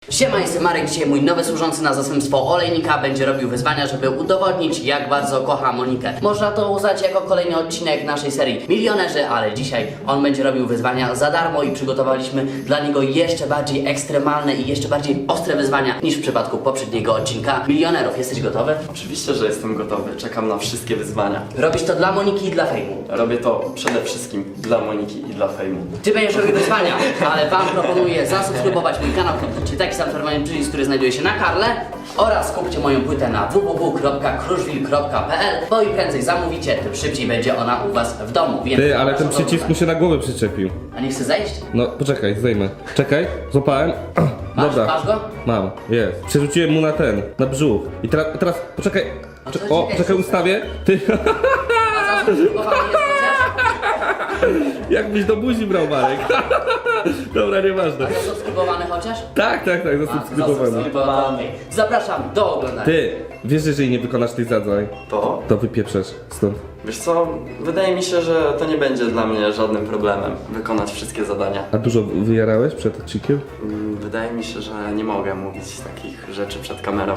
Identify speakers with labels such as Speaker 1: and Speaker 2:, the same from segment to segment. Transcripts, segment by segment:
Speaker 1: Siema, jestem Marek. Dzisiaj mój nowy służący na zastępstwo olejnika będzie robił wyzwania, żeby udowodnić, jak bardzo kocha Monikę. Można to uznać jako kolejny odcinek naszej serii Milionerzy, ale dzisiaj on będzie robił wyzwania za darmo i przygotowaliśmy dla niego jeszcze bardziej ekstremalne i jeszcze bardziej ostre wyzwania niż w przypadku poprzedniego odcinka Milionerów. Jesteś gotowy?
Speaker 2: Oczywiście, że jestem gotowy. Czekam na wszystkie wyzwania.
Speaker 1: Robisz to dla Moniki i dla fejmu.
Speaker 2: Robię to przede wszystkim dla Moniki i dla fejmu.
Speaker 1: Ty będziesz robił wyzwania, ale wam proponuję zasubskrybować mój kanał, kliknijcie taki sam czerwony przycisk, który znajduje się na Karle oraz kupcie moją płytę na www.kruszwil.pl, bo im prędzej zamówicie, tym szybciej będzie ona u was w domu. Więc
Speaker 3: Ty, ale ten
Speaker 1: zapraszam do
Speaker 3: przycisk mu się na głowę przyczepił.
Speaker 1: A nie chce zejść?
Speaker 3: No, poczekaj, zdejmę. Czekaj, złapałem. Dobra.
Speaker 1: Masz go?
Speaker 3: Mam, jest. Przerzuciłem mu na brzuch. I teraz, poczekaj.
Speaker 1: co ci
Speaker 3: O,
Speaker 1: jest?
Speaker 3: czekaj, ustawię. Ty,
Speaker 1: A zasubskrybowany jest chociaż?
Speaker 3: jakbyś do buzi brał, Marek. Dobra, nieważne.
Speaker 1: A zasubskrybowany chociaż?
Speaker 3: Tak, zasubskrybowałem.
Speaker 1: Zasubskrybowany. Okej. Zapraszam do oglądania.
Speaker 3: Ty, wiesz, że jeżeli nie wykonasz tych zadań,
Speaker 2: To?
Speaker 3: wypieprzesz stąd.
Speaker 2: Wiesz co? Wydaje mi się, że to nie będzie dla mnie żadnym problemem wykonać wszystkie zadania.
Speaker 3: A dużo wyjarałeś przed odcinkiem?
Speaker 2: Wydaje mi się, że nie mogę mówić takich rzeczy przed kamerą.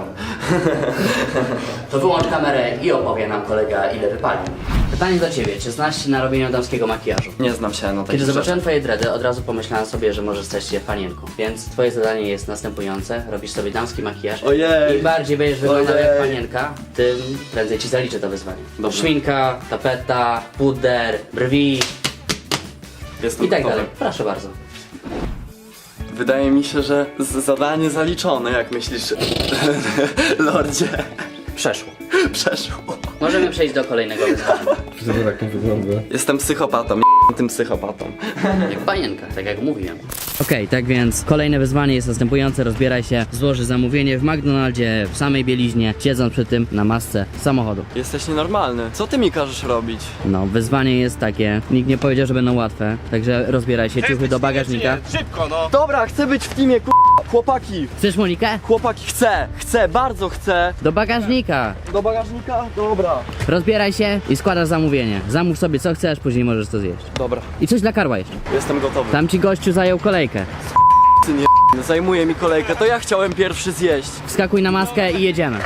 Speaker 1: To wyłącz kamerę i opowie nam kolega, ile wypalił. Pytanie do ciebie, czy znasz się na robieniu damskiego makijażu?
Speaker 2: Nie znam się na takich
Speaker 1: Kiedy zobaczyłem
Speaker 2: rzeczach.
Speaker 1: twoje dready, od razu pomyślałem sobie, że możesz stać się panienką. Więc twoje zadanie jest następujące. Robisz sobie damski makijaż.
Speaker 2: Ojej.
Speaker 1: Im bardziej będziesz wyglądał
Speaker 2: Ojej.
Speaker 1: jak panienka, tym prędzej ci zaliczę to wyzwanie.
Speaker 2: Dobrze.
Speaker 1: Szminka, tapeta, puder, brwi
Speaker 2: Jestem
Speaker 1: i tak
Speaker 2: gotowy.
Speaker 1: dalej. Proszę bardzo.
Speaker 2: Wydaje mi się, że zadanie zaliczone, jak myślisz, lordzie.
Speaker 1: Przeszło.
Speaker 2: Przeszło.
Speaker 1: Możemy przejść do kolejnego wyzwania.
Speaker 3: Przecież tak nie wygląda.
Speaker 2: Jestem psychopatą, tym psychopatą.
Speaker 1: Jak panienka, tak jak mówiłem. Okej, tak więc kolejne wyzwanie jest następujące. Rozbieraj się, złoży zamówienie w McDonaldzie, w samej bieliźnie, siedząc przy tym na masce samochodu.
Speaker 2: Jesteś nienormalny. Co ty mi każesz robić?
Speaker 1: No, wyzwanie jest takie. Nikt nie powiedział, że będą łatwe. Także rozbieraj się, ciuchy do bagażnika.
Speaker 3: Szybko, no!
Speaker 2: Dobra, chcę być w teamie, chłopaki.
Speaker 1: Chcesz Monikę?
Speaker 2: Chłopaki, chcę, bardzo chcę.
Speaker 1: Do bagażnika.
Speaker 2: Do bagażnika? Dobra.
Speaker 1: Rozbieraj się i składasz zamówienie. Zamów sobie co chcesz, później możesz to zjeść.
Speaker 2: Dobra,
Speaker 1: I coś dla Karła jeszcze.
Speaker 2: jestem gotowy.
Speaker 1: Tam ci gościu zajął kolejkę.
Speaker 2: Ty nie zajmuje mi kolejkę, to ja chciałem pierwszy zjeść.
Speaker 1: Wskakuj na maskę i jedziemy.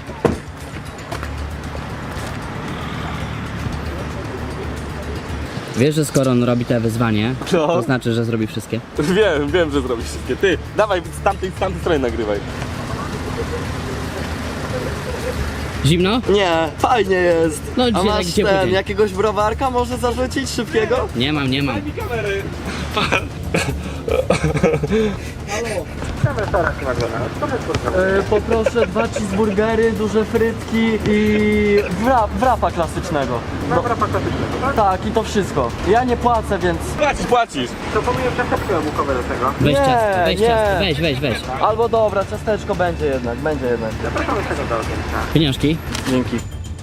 Speaker 1: Wiesz, że skoro on robi te wyzwanie,
Speaker 3: No.
Speaker 1: to znaczy, że zrobi wszystkie?
Speaker 3: Wiem, że zrobisz wszystkie. Ty, dawaj, z tamtej strony nagrywaj.
Speaker 1: Zimno?
Speaker 2: Nie, fajnie jest.
Speaker 1: No,
Speaker 2: A
Speaker 1: dzisiaj
Speaker 2: masz
Speaker 1: taki ciepły dzień.
Speaker 2: jakiegoś browarka może zarzucić szybkiego?
Speaker 1: Nie mam.
Speaker 3: Kamery.
Speaker 2: Poproszę 2 cheeseburgery, duże frytki i wrapa klasycznego. Wrapa klasycznego, tak? Tak, i to wszystko. Ja nie płacę, więc...
Speaker 3: Płacisz.
Speaker 1: Weź
Speaker 2: Nie,
Speaker 1: ciastko, weź
Speaker 2: nie.
Speaker 1: ciastko, weź.
Speaker 2: Albo dobra, ciasteczko będzie jednak.
Speaker 1: Pieniążki?
Speaker 2: Dzięki.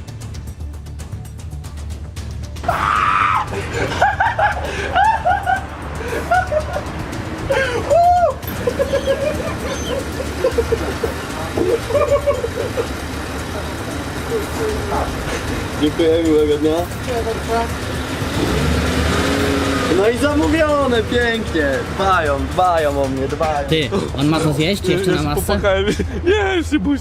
Speaker 2: Dziękuję, miłego dnia. No i zamówione, pięknie. Dbają o mnie, dbają.
Speaker 1: Ty, on ma co zjeść jeszcze na masce?
Speaker 3: Nie, szybusi.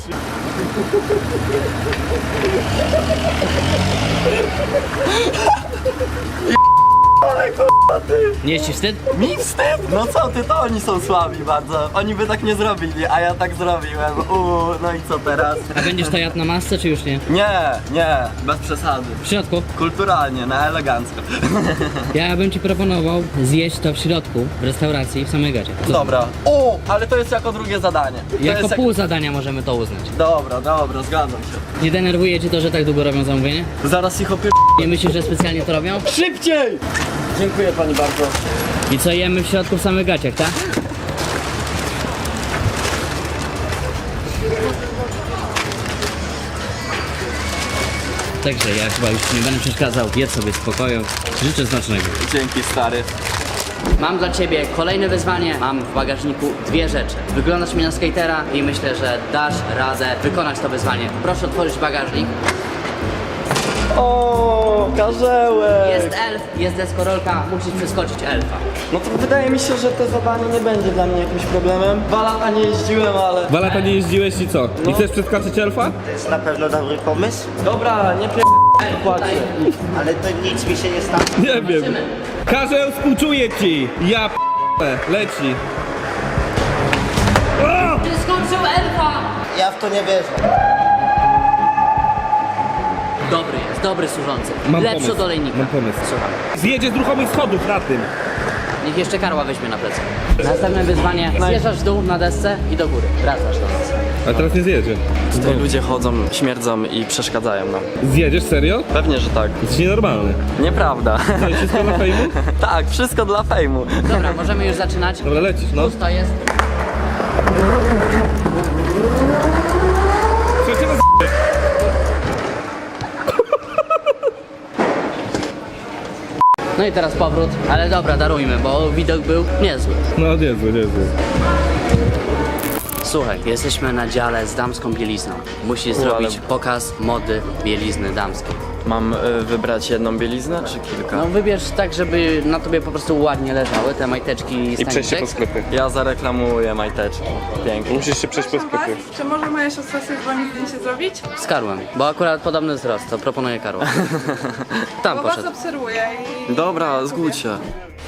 Speaker 1: Nie jest ci wstyd?
Speaker 2: Mi wstyd! No co ty, to oni są słabi bardzo. Oni by tak nie zrobili, a ja tak zrobiłem. No i co teraz?
Speaker 1: A będziesz to jadł na masce, czy już nie?
Speaker 2: Nie, bez przesady.
Speaker 1: W środku?
Speaker 2: Kulturalnie, na elegancko.
Speaker 1: Ja bym ci proponował zjeść to w środku, w restauracji, w samej gacie. Co?
Speaker 2: Dobra. Ale to jest jako drugie zadanie. To
Speaker 1: Jako
Speaker 2: jest
Speaker 1: pół zadania możemy to uznać.
Speaker 2: Dobra, zgadzam się.
Speaker 1: Nie denerwuje cię to, że tak długo robią zamówienie?
Speaker 2: Zaraz ich opie...
Speaker 1: Nie myślisz, że specjalnie to robią?
Speaker 2: Szybciej! Dziękuję pani bardzo.
Speaker 1: I co, jemy w środku w samych gaciach, tak? Także ja chyba już nie będę przeszkadzał, jedz sobie w spokoju. Życzę smacznego.
Speaker 2: Dzięki, stary.
Speaker 1: Mam dla ciebie kolejne wyzwanie. Mam w bagażniku dwie rzeczy. Wyglądasz mi na skatera i myślę, że dasz radę wykonać to wyzwanie. Proszę otworzyć bagażnik.
Speaker 2: O, karzełek!
Speaker 1: Jest elf, jest deskorolka, musisz przeskoczyć elfa.
Speaker 2: No to wydaje mi się, że to zadanie nie będzie dla mnie jakimś problemem. 2 lata nie jeździłem, ale...
Speaker 3: 2 lata nie jeździłeś i co? I chcesz przeskoczyć elfa?
Speaker 4: To jest na pewno dobry pomysł,
Speaker 2: Dobra, nie płaczę.
Speaker 4: ale to nic mi się nie stało.
Speaker 3: Nie wiem. Karzeł, współczuję ci! Ja p***e, leci. O!
Speaker 1: Przeskoczył elfa!
Speaker 4: Ja w to nie wierzę.
Speaker 1: Dobry jest, dobry służący.
Speaker 3: Mam
Speaker 1: Lepszy
Speaker 3: pomysł,
Speaker 1: od olejnika.
Speaker 3: mam pomysł.
Speaker 1: Słucham.
Speaker 3: Zjedzie z ruchomych schodów na tym.
Speaker 1: Niech jeszcze karła weźmie na plecy. Następne wyzwanie. Zjeżdżasz w dół na desce i do góry. Wracasz do nas.
Speaker 3: A teraz nie zjedzie.
Speaker 2: Tutaj ludzie chodzą, śmierdzą i przeszkadzają nam.
Speaker 3: Zjedziesz, serio?
Speaker 2: Pewnie, że tak.
Speaker 3: Jesteś nienormalny.
Speaker 2: Nieprawda.
Speaker 3: To jest wszystko na fejmu?
Speaker 2: Tak, wszystko dla fejmu.
Speaker 1: Dobra, możemy już zaczynać.
Speaker 3: Dobra, lecisz, no.
Speaker 1: Pusto jest.
Speaker 3: Słuchajcie,
Speaker 1: No i teraz powrót. Ale dobra, darujmy, bo widok był niezły.
Speaker 3: no niezły, niezły.
Speaker 1: Słuchaj, jesteśmy na dziale z damską bielizną. Musisz zrobić pokaz mody bielizny damskiej.
Speaker 2: Mam wybrać jedną bieliznę, czy kilka?
Speaker 1: No wybierz tak, żeby na tobie po prostu ładnie leżały te majteczki i staniczek.
Speaker 3: sklepie.
Speaker 2: Ja zareklamuję majteczki. Pięknie.
Speaker 3: Musisz się przejść po sklepie.
Speaker 5: Czy może moja siostra sobie z wami zdjęcie zrobić?
Speaker 1: Z karłem, bo akurat podobny wzrost, to proponuję karła. Tam
Speaker 5: Bo was
Speaker 1: poszedł.
Speaker 5: obserwuję i...
Speaker 2: Dobra, zgódź się.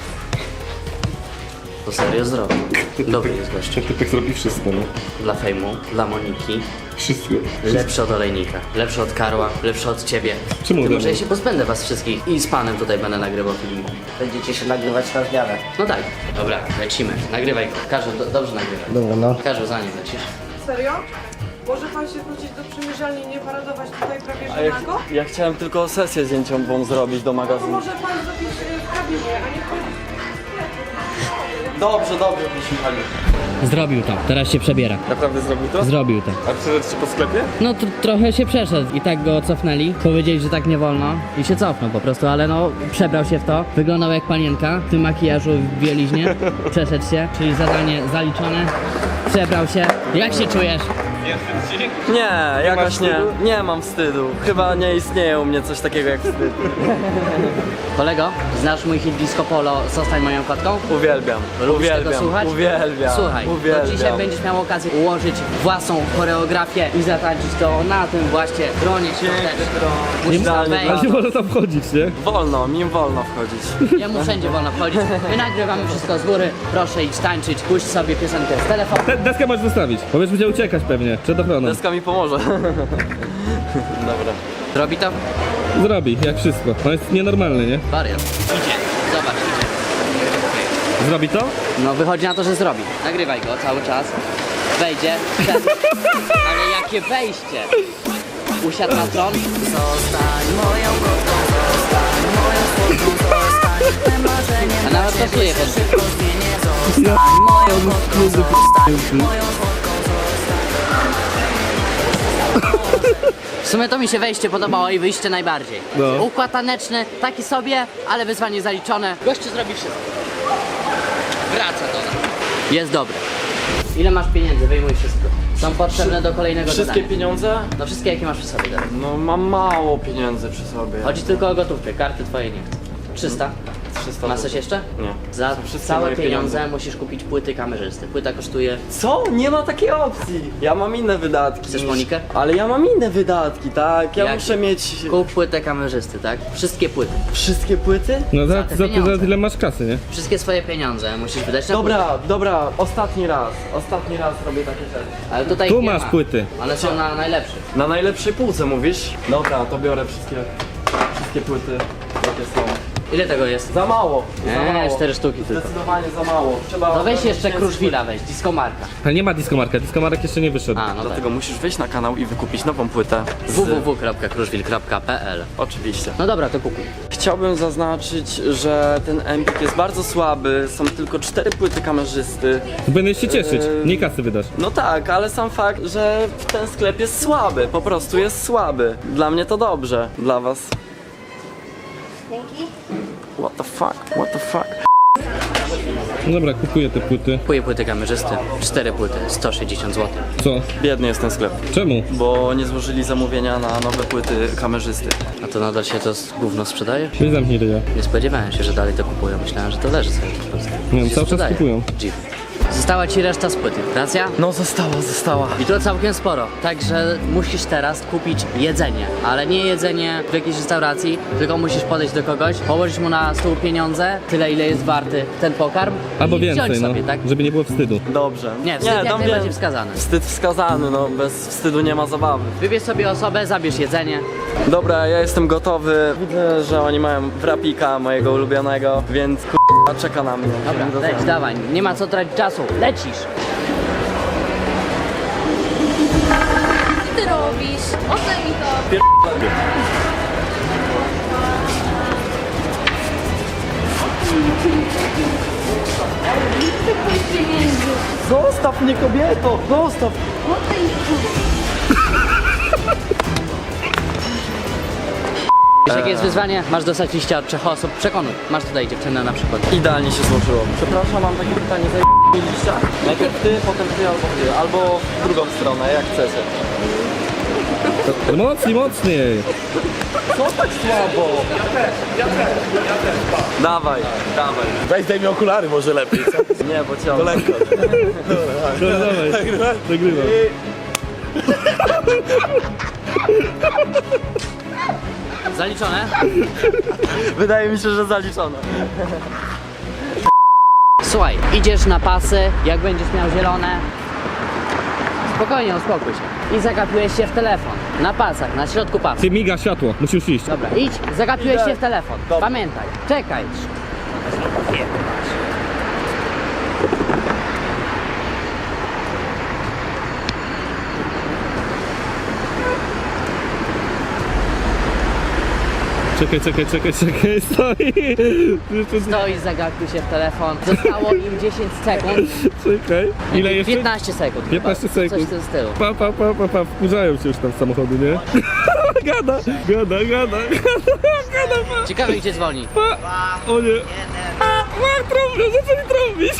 Speaker 1: To serio zrobił. Dobry jest gościu.
Speaker 3: Typek zrobi wszystko, no.
Speaker 1: Dla fejmu, dla Moniki.
Speaker 3: Wszystko.
Speaker 1: Lepszy od olejnika, lepszy od karła, lepszy od ciebie.
Speaker 3: Czemu
Speaker 1: Ty
Speaker 3: ode
Speaker 1: może
Speaker 3: mnie?
Speaker 1: ja się pozbędę was wszystkich i z panem tutaj będę nagrywał filmiki.
Speaker 4: Będziecie się nagrywać na zmianę.
Speaker 1: No tak. Dobra, lecimy. Nagrywaj go. Każdy dobrze nagrywaj.
Speaker 4: Dobra, no.
Speaker 1: Każdy za nim lecisz.
Speaker 5: Serio? Może pan się wrócić do przymierzalni i nie paradować tutaj prawie
Speaker 2: A
Speaker 5: że nago?
Speaker 2: ja chciałem tylko sesję zdjęciową zrobić do
Speaker 5: To
Speaker 2: magazynu.
Speaker 5: może pan zrobić w kabinie, a nie wchodzić.
Speaker 2: Dobrze, wysłuchali.
Speaker 1: Zrobił to. Teraz się przebiera.
Speaker 3: Naprawdę zrobił to?
Speaker 1: Zrobił to.
Speaker 3: A przeszedł się po sklepie?
Speaker 1: No trochę się przeszedł i tak go cofnęli. Powiedzieli, że tak nie wolno i się cofnął po prostu, ale no przebrał się w to. Wyglądał jak panienka w tym makijażu w bieliźnie. Przeszedł się, czyli zadanie zaliczone. Przebrał się. Jak się czujesz?
Speaker 2: Nie, jakoś nie. Nie mam wstydu. Chyba nie istnieje u mnie coś takiego jak wstyd.
Speaker 1: Kolego, znasz mój hit Disco Polo Zostań moją kotką?
Speaker 2: Uwielbiam.
Speaker 1: Lubisz tego słuchać?
Speaker 2: Uwielbiam.
Speaker 1: Słuchaj, to dzisiaj
Speaker 2: Uwielbiam.
Speaker 1: będziesz miał okazję ułożyć własną choreografię i zatańczyć to na tym właśnie tronie świątecznym. Musisz tam
Speaker 2: Idealnie
Speaker 1: wejść.
Speaker 3: Ale nie może tam wchodzić, nie?
Speaker 2: Wolno, mi wolno wchodzić.
Speaker 1: Jemu wszędzie wolno wchodzić. My nagrywamy wszystko z góry. Proszę idź tańczyć, puść sobie piosenkę z telefonu.
Speaker 3: Deskę możesz zostawić, bo wiesz, będzie uciekać pewnie, przed ochroną.
Speaker 2: Deska mi pomoże. Dobra.
Speaker 1: Robi to?
Speaker 3: Zrobi, jak wszystko. On jest nienormalny, nie?
Speaker 1: Wariat. Idzie. Zobacz, idzie.
Speaker 3: Zrobi to?
Speaker 1: No wychodzi na to, że zrobi. Nagrywaj go cały czas. Wejdzie. Wszedł. Ale jakie wejście! Usiadł na tron. A nawet pasuje pod W sumie to mi się wejście podobało i wyjście najbardziej.
Speaker 3: No.
Speaker 1: Układ taneczny, taki sobie, ale wyzwanie zaliczone. Gościu zrobi wszystko. Wraca do nas. Jest dobry. Ile masz pieniędzy? Wyjmuj wszystko. Są potrzebne do kolejnego
Speaker 2: Wszystkie
Speaker 1: zadania.
Speaker 2: pieniądze?
Speaker 1: No wszystkie jakie masz przy sobie teraz.
Speaker 2: No mam mało pieniędzy przy sobie.
Speaker 1: Chodzi tylko o gotówkę, karty twoje nie chcę. 300?
Speaker 2: 300
Speaker 1: Masz coś jeszcze?
Speaker 2: Nie.
Speaker 1: Za
Speaker 2: To wszystkie
Speaker 1: całe
Speaker 2: moje
Speaker 1: pieniądze musisz kupić płyty kamerzysty. Płyta kosztuje...
Speaker 2: Co? Nie ma takiej opcji. Ja mam inne wydatki.
Speaker 1: Chcesz Monikę?
Speaker 2: Ale ja mam inne wydatki, tak? Ja
Speaker 1: Jakie?
Speaker 2: muszę mieć
Speaker 1: Kup płytę kamerzysty, tak? Wszystkie płyty.
Speaker 2: wszystkie płyty?
Speaker 3: No
Speaker 1: Za te pieniądze.
Speaker 3: za tyle masz kasy, nie?
Speaker 1: Wszystkie swoje pieniądze musisz wydać na płyty.
Speaker 2: Dobra, ostatni raz robię takie rzeczy.
Speaker 1: Ale tutaj
Speaker 3: Tu
Speaker 1: nie
Speaker 3: masz
Speaker 1: ma.
Speaker 3: płyty.
Speaker 1: One są na najlepszych.
Speaker 2: Na najlepszej półce mówisz? Dobra, to biorę wszystkie płyty, jakie są.
Speaker 1: Ile tego jest?
Speaker 2: Za mało, za mało.
Speaker 1: 4 sztuki tylko.
Speaker 2: Zdecydowanie za mało. Trzeba
Speaker 1: To weź jeszcze
Speaker 2: ogarnąć
Speaker 1: Kruszwila weź, Disco Marka.
Speaker 3: Ale nie ma diskomarka, diskomarek jeszcze nie wyszedł.
Speaker 1: A, no tak.
Speaker 2: Dlatego musisz wejść na kanał i wykupić nową płytę.
Speaker 1: www.kruszwil.pl.
Speaker 2: Oczywiście.
Speaker 1: No dobra, to kupuj.
Speaker 2: Chciałbym zaznaczyć, że ten Empik jest bardzo słaby. Są tylko 4 płyty kamerzysty.
Speaker 3: Będziesz się cieszyć, nie kasy wydasz.
Speaker 2: No tak, ale sam fakt, że ten sklep jest słaby. Po prostu jest słaby. Dla mnie to dobrze. Dla was. What the fuck? What the fuck?
Speaker 3: Dobra, kupuję te płyty.
Speaker 1: Kupuję płyty kamerzysty. 4 płyty, 160 zł.
Speaker 3: Co?
Speaker 2: Biedny jest ten sklep,
Speaker 3: Czemu?
Speaker 2: bo nie złożyli zamówienia na nowe płyty kamerzysty.
Speaker 1: A to nadal się to gówno sprzedaje?
Speaker 3: Weź zamknij ryja.
Speaker 1: Nie spodziewałem się, że dalej to kupują. Myślałem, że to leży sobie po prostu.
Speaker 3: Nie wiem,
Speaker 1: Się
Speaker 3: cały czas
Speaker 1: sprzedaje.
Speaker 3: kupują.
Speaker 1: Dziw. Została ci reszta z płyty, racja?
Speaker 2: No została.
Speaker 1: I to całkiem sporo, także musisz teraz kupić jedzenie, ale nie jedzenie w jakiejś restauracji, tylko musisz podejść do kogoś, położyć mu na stół pieniądze, tyle ile jest warty ten pokarm
Speaker 3: Albo
Speaker 1: i
Speaker 3: więcej,
Speaker 1: wziąć
Speaker 3: no.
Speaker 1: sobie, tak?
Speaker 3: Żeby nie było wstydu.
Speaker 2: Dobrze.
Speaker 1: Nie, wstyd jak
Speaker 2: tam
Speaker 1: najbardziej
Speaker 2: wiem.
Speaker 1: wskazany.
Speaker 2: Wstyd wskazany, no bez wstydu nie ma zabawy.
Speaker 1: Wybierz sobie osobę, zabierz jedzenie.
Speaker 2: Dobra, ja jestem gotowy. Widzę, że oni mają wrapika mojego ulubionego, więc k***a czeka na mnie.
Speaker 1: Dobra, leć, dawaj, nie ma co tracić czasu, lecisz!
Speaker 6: Co ty robisz? Oddaj mi to.
Speaker 2: Zostaw mnie, kobieto! Zostaw!
Speaker 6: Oddaj mi to.
Speaker 1: Wiesz jakie jest wyzwanie? Masz dostać liścia od 3 osób, przekonuj. Masz tutaj dziewczynę na przykład.
Speaker 2: Idealnie się złożyło. Przepraszam, mam takie pytanie, zajęliście? Najpierw ty, potem ty, albo w drugą stronę, jak chcecie.
Speaker 3: Mocniej!
Speaker 2: Co tak słabo? Ja też. Dawaj.
Speaker 7: Weź daj mi okulary może lepiej, co?
Speaker 2: Nie, bo cię
Speaker 7: Lekko.
Speaker 3: Dobra, dawaj. Nagrywam.
Speaker 1: Zaliczone?
Speaker 2: Wydaje mi się, że zaliczone.
Speaker 1: Słuchaj, idziesz na pasy, jak będziesz miał zielone, spokojnie, uspokój się. I zagapiłeś się w telefon. Na pasach, na środku pasu.
Speaker 3: Ty miga światło, musisz iść.
Speaker 1: Dobra, idź, zagapiłeś się w telefon.
Speaker 2: Dobra.
Speaker 1: Pamiętaj, czekaj.
Speaker 3: Czekaj, stoi.
Speaker 1: Stoi, zagapił się w telefon. Zostało im 10 sekund.
Speaker 3: Czekaj. Ile jeszcze?
Speaker 1: 15 sekund.
Speaker 3: 15
Speaker 1: chyba.
Speaker 3: sekund.
Speaker 1: Coś w tym stylu.
Speaker 3: Pa, wkurzają się już tam z samochodu, nie? Gada.
Speaker 1: Ciekawe gdzie dzwoni.
Speaker 3: O nie. Trąbią, zaczęli trąbić.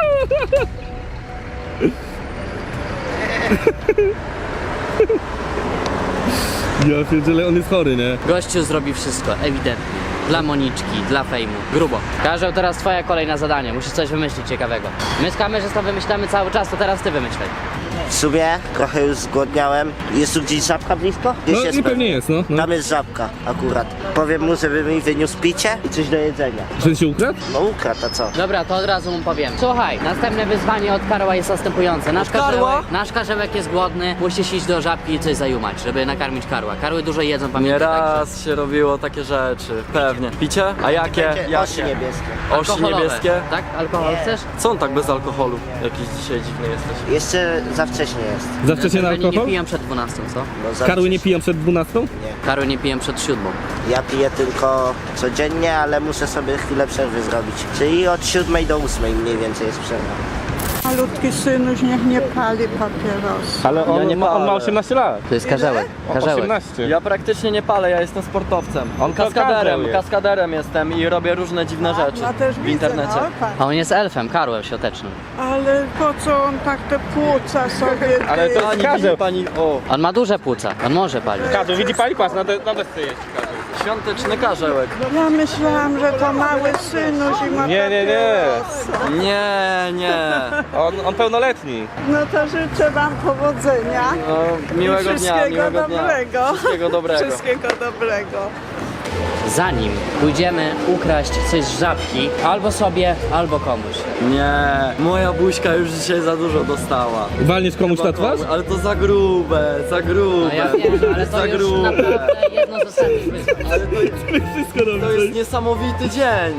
Speaker 3: Ja pierdzielę, on jest chory, nie?
Speaker 1: Gościu zrobi wszystko, ewidentnie. Dla Moniczki, dla fejmu. Grubo. Karzeł, teraz twoja kolej na zadanie. Musisz coś wymyślić ciekawego. My z kamerzystą wymyślamy cały czas, to teraz ty wymyślaj.
Speaker 4: W sumie trochę już zgłodniałem. Jest tu gdzieś żabka blisko? Gdzieś
Speaker 3: No
Speaker 4: jest
Speaker 3: i pewnie jest, no.
Speaker 4: Tam jest żabka akurat. Powiem mu, żeby mi wyniósł picie i coś do jedzenia.
Speaker 3: Że się ukradł?
Speaker 4: No ukradł, a co?
Speaker 1: Dobra, to od razu mu powiem. Słuchaj, następne wyzwanie od Karła jest następujące. Nasz karzełek jest głodny, musisz iść do żabki i coś zajumać, żeby nakarmić Karła. Karły dużo jedzą,
Speaker 2: Nie
Speaker 1: pamiętaj.
Speaker 2: raz się robiło takie rzeczy, pewnie. Picie? A jakie?
Speaker 4: Będzie osi niebieskie.
Speaker 2: Osi
Speaker 1: Alkoholowe,
Speaker 2: niebieskie?
Speaker 1: Tak? Alkohol chcesz?
Speaker 2: Co on tak bez alkoholu? Jakiś dzisiaj dziwny jesteś.
Speaker 4: Jeszcze za wcześnie jest.
Speaker 3: Za wcześnie na
Speaker 1: Pewnie nie
Speaker 3: alkohol?
Speaker 1: piją przed 12, co?
Speaker 4: No, za
Speaker 3: Karły nie
Speaker 4: wcześnie.
Speaker 3: piją przed 12?
Speaker 1: Karły nie piją przed 7.
Speaker 4: Ja piję tylko codziennie, ale muszę sobie chwilę przerwy zrobić. Czyli od 7 do 8 mniej więcej jest przerwa.
Speaker 8: Malutki synuś niech nie pali papierosa.
Speaker 3: Ale
Speaker 2: Ja nie
Speaker 3: on ma
Speaker 2: palę.
Speaker 3: 18 lat.
Speaker 1: To jest karzełek. Karzełek.
Speaker 3: 18.
Speaker 2: Ja praktycznie nie palę, ja jestem sportowcem.
Speaker 3: On to karzeł jest.
Speaker 2: Kaskaderem jestem i robię różne dziwne rzeczy
Speaker 8: Ja też
Speaker 2: w
Speaker 8: widzę,
Speaker 2: internecie.
Speaker 8: no, tak.
Speaker 1: A on jest elfem, Karłem siotecznym.
Speaker 8: Ale po co on tak te płuca sobie...
Speaker 3: Ale to-
Speaker 2: Pani,
Speaker 3: Karzeł.
Speaker 2: widzi pani, o,
Speaker 1: On ma duże płuca, on może palić.
Speaker 3: Kazu, widzi pali pas, na desce jest.
Speaker 2: świąteczny karzełek.
Speaker 8: Ja myślałam, że to mały synuś i ma
Speaker 3: Nie.
Speaker 8: papierosa.
Speaker 2: Nie.
Speaker 3: On pełnoletni.
Speaker 8: No to życzę wam powodzenia.
Speaker 2: No, miłego dnia,
Speaker 8: Wszystkiego
Speaker 2: miłego dnia.
Speaker 8: dobrego.
Speaker 2: Wszystkiego dobrego.
Speaker 8: Wszystkiego dobrego.
Speaker 1: Zanim pójdziemy ukraść coś z żabki, albo sobie, albo komuś.
Speaker 2: Nie, moja buźka już dzisiaj za dużo dostała.
Speaker 3: Walniesz komuś na twarz?
Speaker 2: Ale to za grube.
Speaker 1: No ja wiem, ale to
Speaker 2: za
Speaker 1: już
Speaker 2: grube.
Speaker 1: naprawdę jedno z ostatnich wyzwań.
Speaker 3: Wszystko
Speaker 2: To
Speaker 3: dobrze.
Speaker 2: jest niesamowity dzień.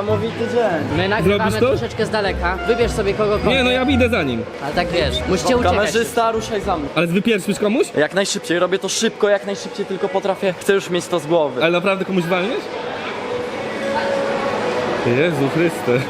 Speaker 1: My nagrywamy
Speaker 3: Zrobisz to?
Speaker 1: troszeczkę z daleka. Wybierz sobie kogokolwiek.
Speaker 3: Nie, no ja idę za nim.
Speaker 1: Ale tak wiesz, musicie uciekać.
Speaker 2: Kamerzysta, ruszaj za mną.
Speaker 3: Ale wypierszysz komuś?
Speaker 2: Jak najszybciej, robię to szybko, jak najszybciej tylko potrafię. Chcę już mieć to z głowy.
Speaker 3: Ale naprawdę komuś walniesz? Jezu Chryste.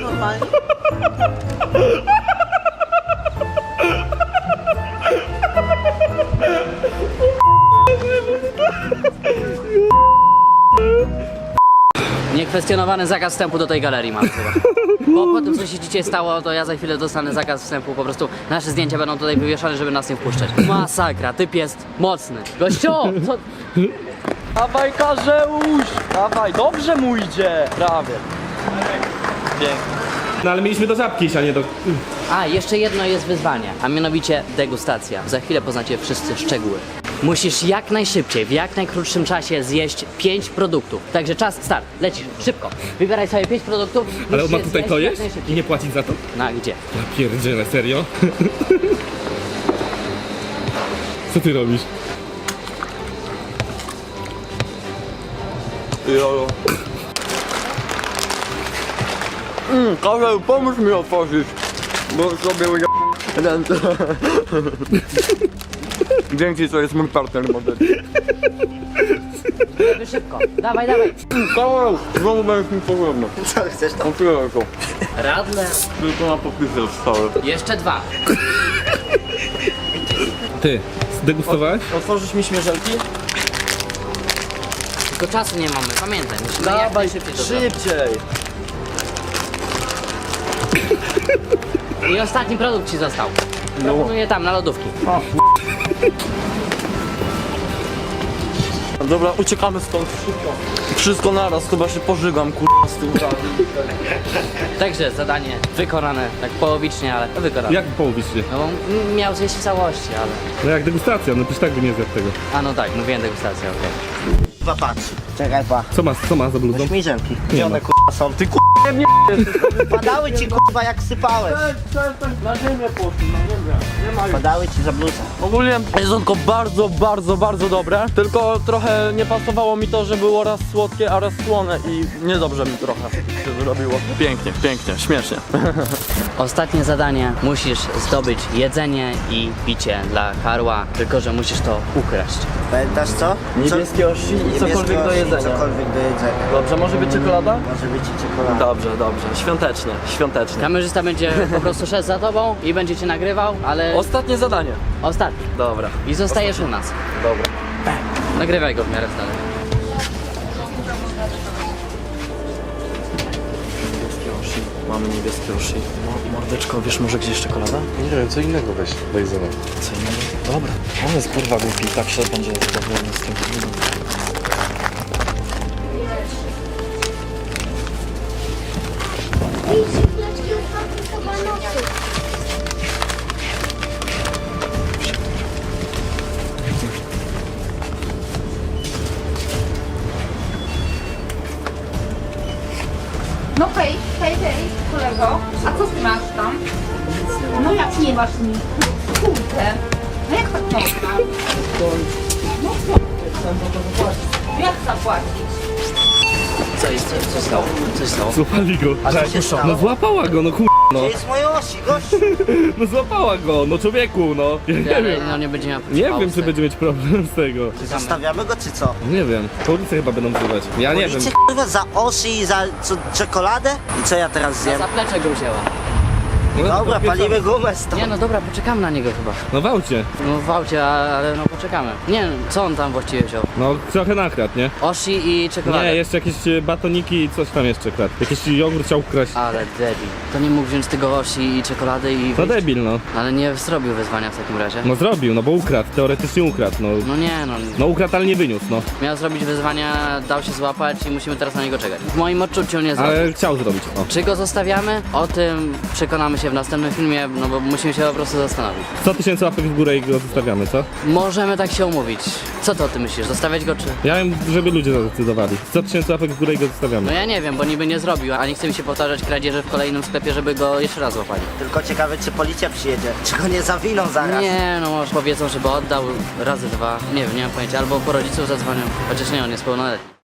Speaker 8: Normalnie.
Speaker 1: Zakwestionowany zakaz wstępu do tej galerii mam chyba. Bo po tym, co się dzisiaj stało, to ja za chwilę dostanę zakaz wstępu. Po prostu nasze zdjęcia będą tutaj wywieszane, żeby nas nie wpuszczać. Masakra, typ jest mocny. Gościu, co?
Speaker 2: Dawaj, Karzeusz! Dawaj, dobrze mu idzie! Prawie. Pięknie.
Speaker 3: No ale mieliśmy do żabki iść, a nie do...
Speaker 1: A, jeszcze jedno jest wyzwanie, a mianowicie degustacja. Za chwilę poznacie wszyscy szczegóły. Musisz jak najszybciej, w jak najkrótszym czasie zjeść 5 produktów. Także czas, start, lecisz, szybko. Wybieraj sobie 5 produktów.
Speaker 3: Ale on
Speaker 1: musisz
Speaker 3: ma
Speaker 1: je
Speaker 3: tutaj
Speaker 1: zjeść
Speaker 3: to
Speaker 1: jak
Speaker 3: jeść i
Speaker 1: najszybciej.
Speaker 3: nie płacić za to?
Speaker 1: No, gdzie?
Speaker 3: Ja pierdzielę, serio? Co ty robisz?
Speaker 2: Jolo. Karzeł, pomóż mi otworzyć, bo sobie ręce. Dzięki, to jest mój partner model.
Speaker 1: Żeby szybko, dawaj, dawaj.
Speaker 2: Karzeł, znowu będziesz mi potrzebny.
Speaker 4: Co chcesz tam?
Speaker 2: Otwieraj to.
Speaker 1: Radler.
Speaker 2: Tylko na popisy zostały.
Speaker 1: Jeszcze 2.
Speaker 3: Ty, zdegustowałeś?
Speaker 2: Otworzysz mi śmierzelki?
Speaker 1: Tylko czasu nie mamy, pamiętaj, musimy jak
Speaker 2: Dawaj,
Speaker 1: najszybciej to zrobić.
Speaker 2: szybciej.
Speaker 1: I ostatni produkt ci został. Proponuję tam, na lodówki.
Speaker 2: Dobra, uciekamy stąd szybko. Wszystko naraz, chyba się pożygam, kurwa, z tym razem.
Speaker 1: Także zadanie wykonane, tak połowicznie, ale wykonane.
Speaker 3: Jak połowicznie?
Speaker 1: No bo miał zjeść w całości, ale...
Speaker 3: No jak degustacja, no przecież tak by nie zjadł tego.
Speaker 1: A no tak, mówiłem degustacja, okej.
Speaker 4: Chyba patrz. Czekaj, pa.
Speaker 3: Co ma za bludą?
Speaker 4: Śmiżelki.
Speaker 3: Nie
Speaker 4: Gdzie
Speaker 3: ma.
Speaker 4: one są? Ty padały ci kurwa jak sypałeś.
Speaker 2: Na ziemię poszli, na ziemię. Nie ma już.
Speaker 4: Padały ci za bluzę.
Speaker 2: Ogólnie jedzonko bardzo dobre, tylko trochę nie pasowało mi to, że było raz słodkie, a raz słone i niedobrze mi trochę się zrobiło. Pięknie, śmiesznie.
Speaker 1: Ostatnie zadanie, musisz zdobyć jedzenie i picie dla Karła, tylko że musisz to ukraść.
Speaker 4: Pamiętasz co?
Speaker 2: Niebieskie osi i
Speaker 4: Niebieskie
Speaker 2: cokolwiek do
Speaker 4: osi,
Speaker 2: jedzenia.
Speaker 4: Cokolwiek do jedzenia.
Speaker 2: Dobrze, może być czekolada?
Speaker 4: Może być i czekolada.
Speaker 2: Dobrze, świątecznie.
Speaker 1: Kamerzysta będzie po prostu szedł za tobą i będzie cię nagrywał, ale
Speaker 2: Ostatnie zadanie.
Speaker 1: ostatni.
Speaker 2: Dobra.
Speaker 1: I zostajesz u nas.
Speaker 2: Dobra.
Speaker 1: Nagrywaj go w miarę stale.
Speaker 2: Niebieskie osi. Mamy niebieskie osi. Mordeczko, wiesz może gdzieś czekolada?
Speaker 7: Nie wiem, co innego weź, daj za nas.
Speaker 2: Co innego? Dobra. On jest kurwa głupi, tak się będzie zadowolony z tym.
Speaker 6: No hej, kolego. A co ty masz tam? No jak nie masz nic? Kurde. No jak tak można? No co? Jak zapłacić?
Speaker 1: Co jest? Co stało? Coś stało?
Speaker 3: Złapali go.
Speaker 4: co się stało?
Speaker 3: No złapała go, no no.
Speaker 4: Gdzie jest moje osi, gościu?
Speaker 3: No złapała go, no człowieku, no. Ja nie
Speaker 1: Ale
Speaker 3: wiem.
Speaker 1: no nie będzie miał
Speaker 3: Nie wiem,
Speaker 1: pauz,
Speaker 3: czy będzie mieć problem z tego.
Speaker 4: Zostawiamy go czy co?
Speaker 3: Nie wiem. Policję chyba będą wzywać. Ja nie wiem.
Speaker 4: Policie kurwa za osi i za czekoladę? I co ja teraz
Speaker 1: Na
Speaker 4: zjem?
Speaker 1: zaplecze go wzięła.
Speaker 3: No,
Speaker 4: Dobra,
Speaker 3: to
Speaker 4: palimy gumę stąd.
Speaker 1: Nie no dobra, poczekamy na niego chyba.
Speaker 3: No w aucie.
Speaker 1: No w aucie, ale no poczekamy. Nie wiem, co on tam właściwie wziął?
Speaker 3: No trochę nakradł, nie?
Speaker 1: Oshi i czekoladę.
Speaker 3: Nie, jeszcze jakieś batoniki i coś tam jeszcze kradł. Jakiś jogurt chciał ukraść.
Speaker 1: Ale debil. To nie mógł wziąć tego Oshi i czekolady i
Speaker 3: No
Speaker 1: wyjść.
Speaker 3: debil, no.
Speaker 1: Ale nie zrobił wyzwania w takim razie.
Speaker 3: No zrobił, no bo ukradł, teoretycznie ukradł, no.
Speaker 1: No nie no.
Speaker 3: No ukradł, ale nie wyniósł, no.
Speaker 1: Miał zrobić wyzwania, dał się złapać i musimy teraz na niego czekać. W moim odczuciu nie zrobił.
Speaker 3: Ale chciał zrobić, o.
Speaker 1: Czy go zostawiamy? O tym przekonamy się w następnym filmie, no bo musimy się po prostu zastanowić.
Speaker 3: 100 000 łapek w górę i go zostawiamy, co?
Speaker 1: Możemy tak się umówić. Co to ty myślisz? Zostawiać go czy?
Speaker 3: Ja wiem, żeby ludzie zadecydowali. 100 000 łapek w górę i go
Speaker 1: No
Speaker 3: zostawiamy.
Speaker 1: ja nie wiem, bo niby nie zrobił, a nie chce mi się powtarzać kradzieży w kolejnym sklepie, żeby go jeszcze raz złapali.
Speaker 4: Tylko ciekawe, czy policja przyjedzie. Czy go nie zawiną zaraz?
Speaker 1: Nie, no może powiedzą, żeby oddał razy 2. Nie wiem, nie mam pojęcia. Albo po rodziców zadzwonią. Chociaż nie, on jest pełnoletni.